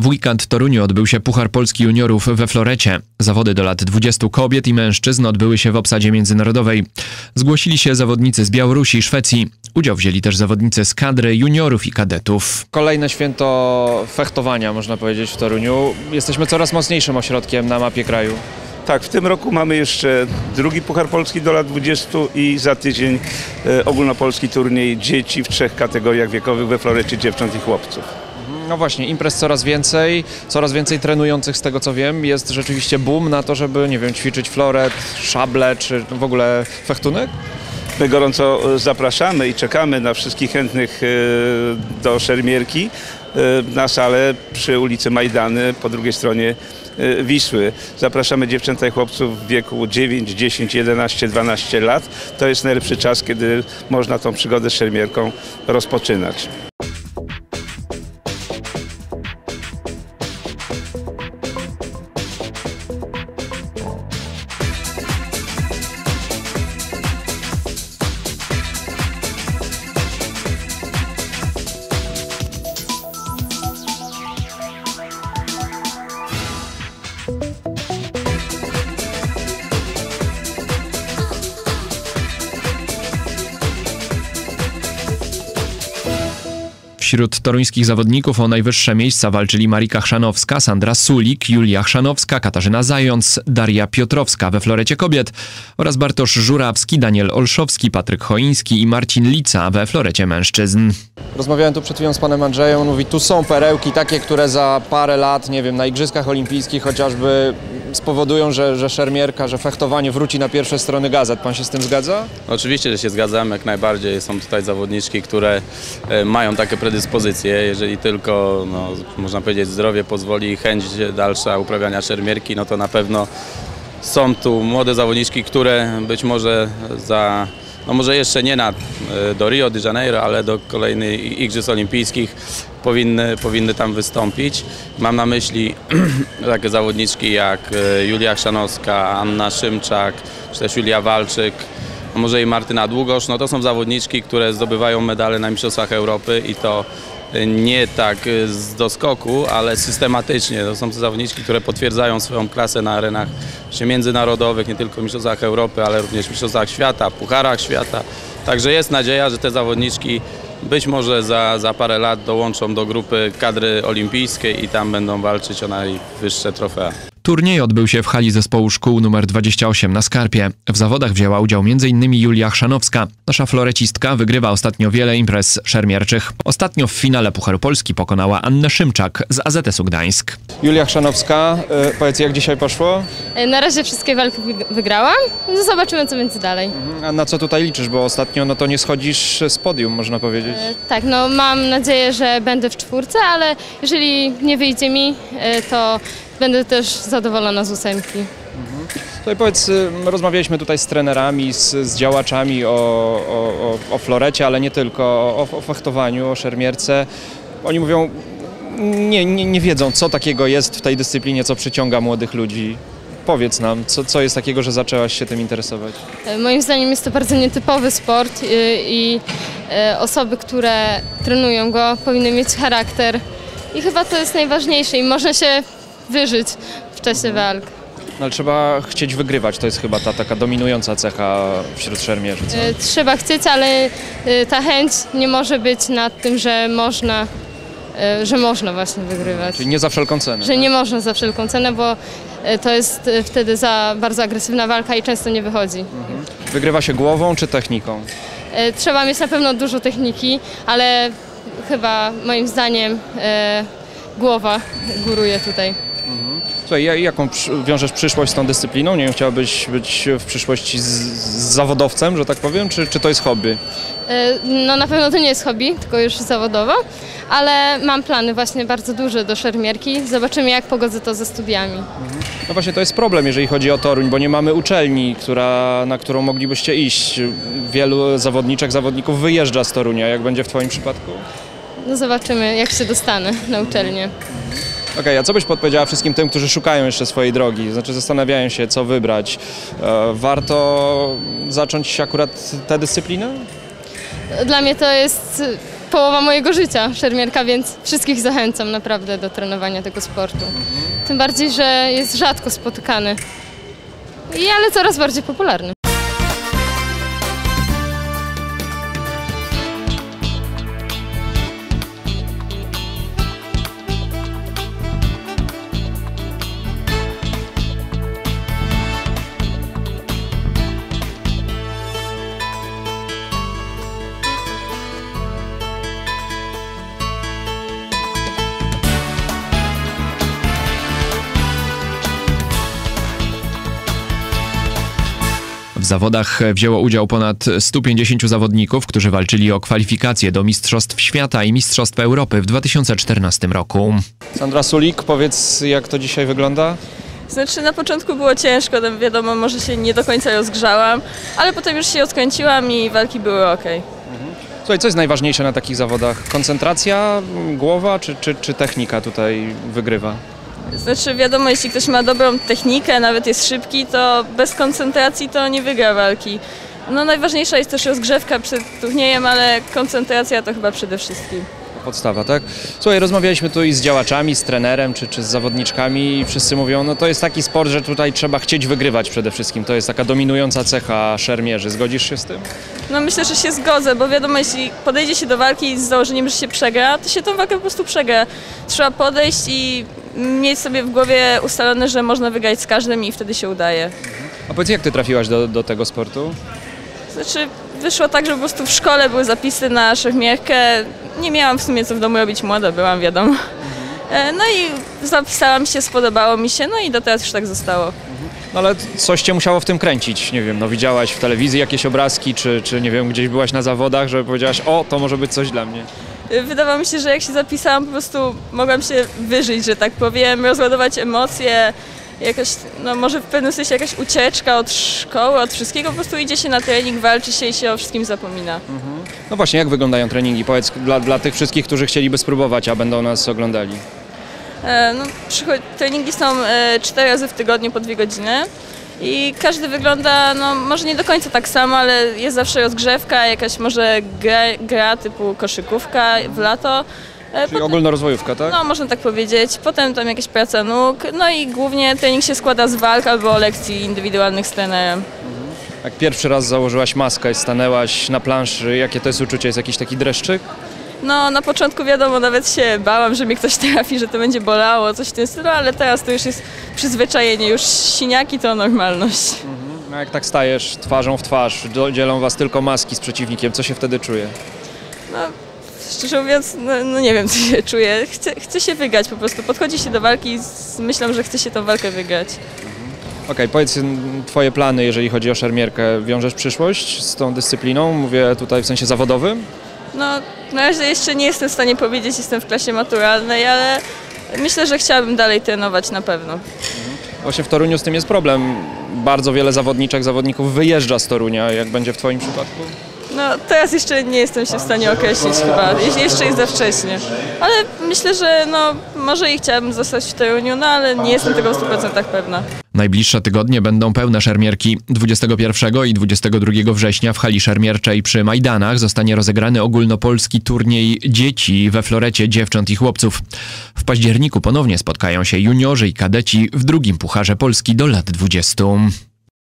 W weekend w Toruniu odbył się Puchar Polski Juniorów we florecie. Zawody do lat 20 kobiet i mężczyzn odbyły się w obsadzie międzynarodowej. Zgłosili się zawodnicy z Białorusi i Szwecji. Udział wzięli też zawodnicy z kadry juniorów i kadetów. Kolejne święto fechtowania, można powiedzieć, w Toruniu. Jesteśmy coraz mocniejszym ośrodkiem na mapie kraju. Tak, w tym roku mamy jeszcze drugi Puchar Polski do lat 20 i za tydzień ogólnopolski turniej dzieci w 3 kategoriach wiekowych we florecie dziewcząt i chłopców. No właśnie, imprez coraz więcej trenujących z tego co wiem. Jest rzeczywiście boom na to, żeby, nie wiem, ćwiczyć floret, szable czy w ogóle fechtunek? My gorąco zapraszamy i czekamy na wszystkich chętnych do szermierki na salę przy ulicy Majdany po drugiej stronie Wisły. Zapraszamy dziewczęta i chłopców w wieku 9, 10, 11, 12 lat. To jest najlepszy czas, kiedy można tą przygodę z szermierką rozpoczynać. Wśród toruńskich zawodników o najwyższe miejsca walczyli Marika Chrzanowska, Sandra Sulik, Julia Chrzanowska, Katarzyna Zając, Daria Piotrowska we florecie kobiet oraz Bartosz Żurawski, Daniel Olszowski, Patryk Choiński i Marcin Lica we florecie mężczyzn. Rozmawiałem tu przed chwilą z panem Andrzejem, on mówi, tu są perełki takie, które za parę lat, nie wiem, na Igrzyskach Olimpijskich chociażby spowodują, że szermierka, że fechtowanie wróci na pierwsze strony gazet. Pan się z tym zgadza? Oczywiście, że się zgadzam, jak najbardziej. Są tutaj zawodniczki, które mają takie predyspozycje, jeżeli tylko, no, można powiedzieć, zdrowie pozwoli i chęć dalsza uprawiania szermierki, no to na pewno są tu młode zawodniczki, które być może no może jeszcze nie do Rio de Janeiro, ale do kolejnych Igrzysk Olimpijskich powinny tam wystąpić. Mam na myśli takie zawodniczki jak Julia Chrzanowska, Anna Szymczak, czy też Julia Walczyk, a może i Martyna Długosz. No to są zawodniczki, które zdobywają medale na Mistrzostwach Europy i to nie tak z doskoku, ale systematycznie. To są zawodniczki, które potwierdzają swoją klasę na arenach międzynarodowych, nie tylko w Mistrzostwach Europy, ale również w Mistrzostwach Świata, Pucharach Świata. Także jest nadzieja, że te zawodniczki być może za parę lat dołączą do grupy kadry olimpijskiej i tam będą walczyć o najwyższe trofea. Turniej odbył się w hali zespołu szkół nr 28 na Skarpie. W zawodach wzięła udział m.in. Julia Chrzanowska. Nasza florecistka wygrywa ostatnio wiele imprez szermierczych. Ostatnio w finale Pucharu Polski pokonała Annę Szymczak z AZS-u Gdańsk. Julia Chrzanowska, powiedz, jak dzisiaj poszło? Na razie wszystkie walki wygrałam. Zobaczymy, co będzie dalej. A na co tutaj liczysz? Bo ostatnio no to nie schodzisz z podium, można powiedzieć. Tak, no mam nadzieję, że będę w 4, ale jeżeli nie wyjdzie mi, to będę też zadowolona z 8. Tutaj powiedz, rozmawialiśmy tutaj z trenerami, z działaczami o florecie, ale nie tylko, o fechtowaniu, o szermierce. Oni mówią, nie wiedzą, co takiego jest w tej dyscyplinie, co przyciąga młodych ludzi. Powiedz nam, co jest takiego, że zaczęłaś się tym interesować? Moim zdaniem jest to bardzo nietypowy sport i osoby, które trenują go, powinny mieć charakter i chyba to jest najważniejsze i można się wyżyć w czasie walk. No, ale trzeba chcieć wygrywać, to jest chyba ta taka dominująca cecha wśród szermierzy. Co? Trzeba chcieć, ale ta chęć nie może być nad tym, że można właśnie wygrywać. Czyli nie za wszelką cenę. Że nie można za wszelką cenę, bo to jest wtedy za bardzo agresywna walka i często nie wychodzi. Wygrywa się głową czy techniką? Trzeba mieć na pewno dużo techniki, ale chyba moim zdaniem głowa góruje tutaj. Słuchaj, jaką wiążesz przyszłość z tą dyscypliną? Nie wiem, chciałabyś być w przyszłości z zawodowcem, że tak powiem, czy to jest hobby? No na pewno to nie jest hobby, tylko już zawodowo, ale mam plany właśnie bardzo duże do szermierki. Zobaczymy, jak pogodzę to ze studiami. No właśnie to jest problem, jeżeli chodzi o Toruń, bo nie mamy uczelni, na którą moglibyście iść. Wielu zawodników wyjeżdża z Torunia. Jak będzie w twoim przypadku? No zobaczymy, jak się dostanę na uczelnię. Okej, a co byś podpowiedziała wszystkim tym, którzy szukają jeszcze swojej drogi, znaczy zastanawiają się, co wybrać? Warto zacząć akurat tę dyscyplinę? Dla mnie to jest połowa mojego życia, szermierka, więc wszystkich zachęcam naprawdę do trenowania tego sportu. Tym bardziej, że jest rzadko spotykany, ale coraz bardziej popularny. W zawodach wzięło udział ponad 150 zawodników, którzy walczyli o kwalifikacje do Mistrzostw Świata i Mistrzostw Europy w 2014 roku. Sandra Sulik, powiedz, jak to dzisiaj wygląda? Znaczy na początku było ciężko, tam wiadomo, może się nie do końca rozgrzałam, ale potem już się odkręciłam i walki były ok. Słuchaj, co jest najważniejsze na takich zawodach? Koncentracja, głowa czy technika tutaj wygrywa? Znaczy wiadomo, jeśli ktoś ma dobrą technikę, nawet jest szybki, to bez koncentracji to nie wygra walki. No najważniejsza jest też rozgrzewka przed turniejem, ale koncentracja to chyba przede wszystkim. Podstawa, tak? Słuchaj, rozmawialiśmy tu i z działaczami, z trenerem czy z zawodniczkami i wszyscy mówią, no to jest taki sport, że tutaj trzeba chcieć wygrywać przede wszystkim. To jest taka dominująca cecha szermierzy. Zgodzisz się z tym? No myślę, że się zgodzę, bo wiadomo, jeśli podejdzie się do walki z założeniem, że się przegra, to się tą walkę po prostu przegra. Trzeba podejść i mieć sobie w głowie ustalone, że można wygrać z każdym i wtedy się udaje. A powiedz, jak ty trafiłaś do tego sportu? Znaczy wyszło tak, że po prostu w szkole były zapisy na szermierkę. Nie miałam w sumie co w domu robić, młoda byłam, wiadomo. No i zapisałam się, spodobało mi się, no i do teraz już tak zostało. No ale coś cię musiało w tym kręcić, nie wiem, no widziałaś w telewizji jakieś obrazki, czy nie wiem, gdzieś byłaś na zawodach, że powiedziałaś, o, to może być coś dla mnie. Wydawało mi się, że jak się zapisałam, po prostu mogłam się wyżyć, że tak powiem, rozładować emocje, jakaś, no może w pewnym sensie jakaś ucieczka od szkoły, od wszystkiego, po prostu idzie się na trening, walczy się i się o wszystkim zapomina. No właśnie, jak wyglądają treningi? Powiedz dla tych wszystkich, którzy chcieliby spróbować, a będą nas oglądali. No, treningi są 4 razy w tygodniu po 2 godziny i każdy wygląda, no może nie do końca tak samo, ale jest zawsze rozgrzewka, jakaś może gra typu koszykówka w lato. Czyli ogólnorozwojówka, tak? No, można tak powiedzieć. Potem tam jakaś praca nóg, no i głównie trening się składa z walk albo lekcji indywidualnych z trenerem. Jak pierwszy raz założyłaś maskę, stanęłaś na planszy, jakie to jest uczucie? Jest jakiś taki dreszczyk? No, na początku wiadomo, nawet się bałam, że mnie ktoś trafi, że to będzie bolało, coś w tym stylu, ale teraz to już jest przyzwyczajenie, już siniaki to normalność. A jak tak stajesz twarzą w twarz, dzielą was tylko maski z przeciwnikiem, co się wtedy czuje? No, szczerze mówiąc, no nie wiem, co się czuję. Chcę się wygrać po prostu. Podchodzi się do walki z myślą, że chce się tę walkę wygrać. Okej, powiedz, twoje plany, jeżeli chodzi o szermierkę, wiążesz przyszłość z tą dyscypliną? Mówię tutaj w sensie zawodowym? No, na razie jeszcze nie jestem w stanie powiedzieć, jestem w klasie maturalnej, ale myślę, że chciałabym dalej trenować na pewno. Właśnie w Toruniu z tym jest problem. Bardzo wiele zawodników wyjeżdża z Torunia. Jak będzie w twoim przypadku? No, teraz jeszcze nie jestem się w stanie określić chyba, jeszcze jest za wcześnie. Ale myślę, że no, może i chciałabym zostać w Toruniu, no ale nie jestem tego w 100% pewna. Najbliższe tygodnie będą pełne szermierki. 21 i 22 września w hali szermierczej przy Majdanach zostanie rozegrany ogólnopolski turniej dzieci we florecie dziewcząt i chłopców. W październiku ponownie spotkają się juniorzy i kadeci w drugim Pucharze Polski do lat 20.